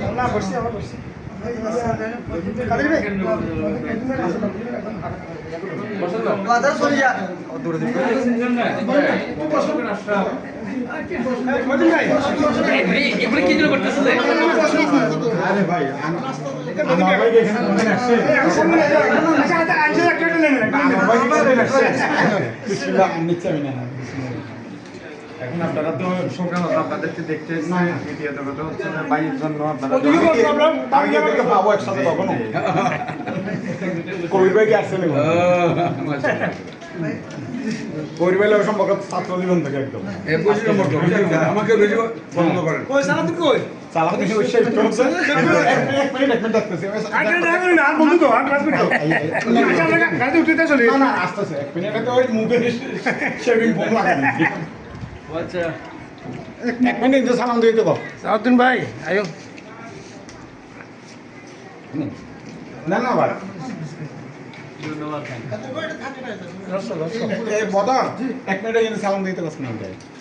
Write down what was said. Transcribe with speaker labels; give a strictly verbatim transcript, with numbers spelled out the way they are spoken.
Speaker 1: না বসছি আমার বসছি বাজার চলে যা দূরে দিন
Speaker 2: এবারে কি জন্য করতেছে
Speaker 3: আরে ভাই আমার ভাই এখানে মনে আসছে
Speaker 1: আচ্ছা আচ্ছা একটা নেন
Speaker 3: আমার ভাই এখানে আসছে বিসমিল্লাহ নিচে আমি না এখন আপনারা তো সংগ্রাম আপনাদেরকে দেখতে এসেছেন ভিডিও তো কথা হচ্ছে না বাইয়ের জন্য আপনারা আমি কি আপনাকে পাবো একসাথে কখনো কবির ভাই কি আসছেন কবির ভাই লোক সম্পর্ক ছাত্র জীবন থেকে একদম
Speaker 2: আমাকে বেশি বন্ধ করেন
Speaker 1: কই সালা তুই কই
Speaker 3: চালা দেখে ওই শেষ করছে এক মিনিট এক মিনিট আসতেছে
Speaker 1: আগে না করি না বন্ধু তো আর ক্লাস করো গাড়ি উঠতে চলে
Speaker 3: না না আসতেছে এক মিনিট তো ওই মুখে শেভিং ফোম লাগাই
Speaker 2: আচ্ছা
Speaker 3: এক মিনিট যে সালাম দিয়ে দেবো
Speaker 1: সাউদ্দিন ভাই আয়ো
Speaker 3: না না ভাই
Speaker 2: ধন্যবাদ
Speaker 3: এই বদর এক মিনিটে কিন্তু সালাম দিতে পারছ না